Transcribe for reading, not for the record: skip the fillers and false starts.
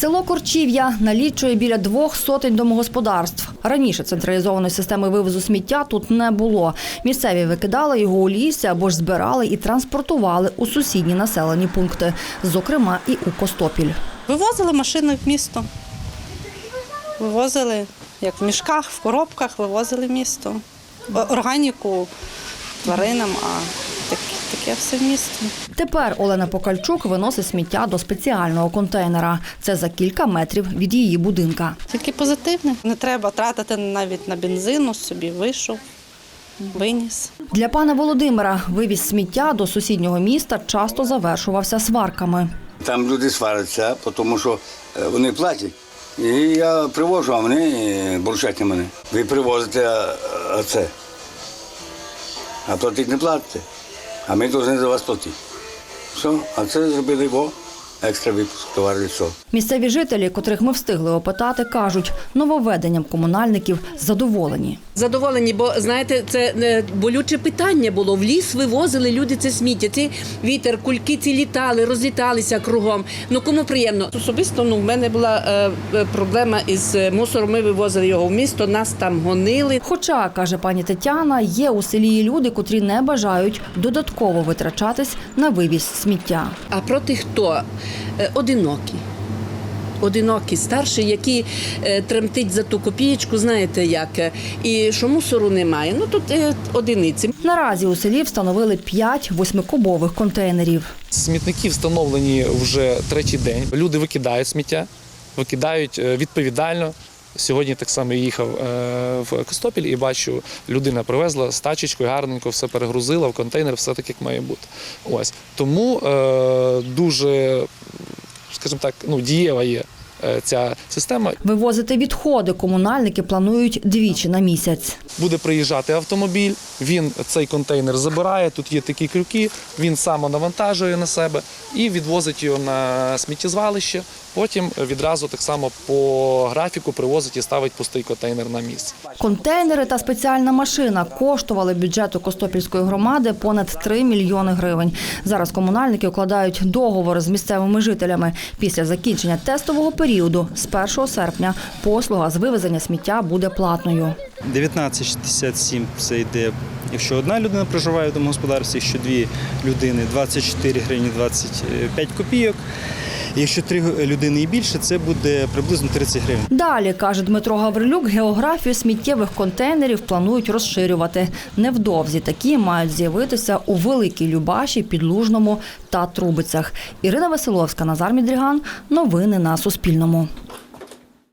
Село Корчів'я налічує біля 200 домогосподарств. Раніше централізованої системи вивозу сміття тут не було. Місцеві викидали його у лісі або ж збирали і транспортували у сусідні населені пункти, зокрема і у Костопіль. Вивозили машини в місто. Вивозили, як в мішках, в коробках, вивозили в місто. Органіку тваринам, а таке все в місто. Тепер Олена Покальчук виносить сміття до спеціального контейнера. Це за кілька метрів від її будинка. Тільки позитивне. Не треба тратити навіть на бензину, собі вийшов, виніс. Для пана Володимира вивіз сміття до сусіднього міста часто завершувався сварками. Там люди сваряться, тому що вони платять. І я привожу, а вони бурчать на мене. Ви привозите, а це. А платити не платите. А ми повинні за вас платити. Все, а це зробили екстра випуск товарів. Місцеві жителі, котрих ми встигли опитати, кажуть, нововведенням комунальників задоволені. Задоволені, бо, знаєте, це болюче питання було. В ліс вивозили люди це сміття. Ці вітер, кульки ці літали, розліталися кругом. Ну, кому приємно. Особисто в мене була проблема із мусором. Ми вивозили його в місто, нас там гонили. Хоча, каже пані Тетяна, є у селі і люди, котрі не бажають додатково витрачатись на вивіз сміття. А проти хто? Одинокі, старші, які тремтить за ту копієчку, знаєте як, і що мусору немає. Ну, тут одиниці. Наразі у селі встановили 5 8-кубових контейнерів. Смітники встановлені вже третій день. Люди викидають сміття, викидають відповідально. Сьогодні так само їхав в Костопіль і бачу, людина привезла з тачечкою, гарненько все перегрузила в контейнер, все так, як має бути. Ось. Тому дуже, скажімо так, дієва є ця система. Вивозити відходи комунальники планують двічі на місяць. Буде приїжджати автомобіль, він цей контейнер забирає, тут є такі крюки, він сам навантажує на себе і відвозить його на сміттєзвалище. Потім відразу так само по графіку привозить і ставить пустий контейнер на місце. Контейнери та спеціальна машина коштували бюджету Костопільської громади понад 3 мільйони гривень. Зараз комунальники укладають договори з місцевими жителями. Після закінчення тестового періоду з 1 серпня послуга з вивезення сміття буде платною. 19,67 це йде, якщо одна людина проживає в домогосподарстві, якщо 2 людини – 24 гривні 25 копійок. Якщо 3 людини і більше, це буде приблизно 30 гривень. Далі, каже Дмитро Гаврилюк, географію сміттєвих контейнерів планують розширювати. Невдовзі такі мають з'явитися у Великій Любаші, Підлужному та Трубицях. Ірина Василовська, Назар Мідріган. Новини на Суспільному.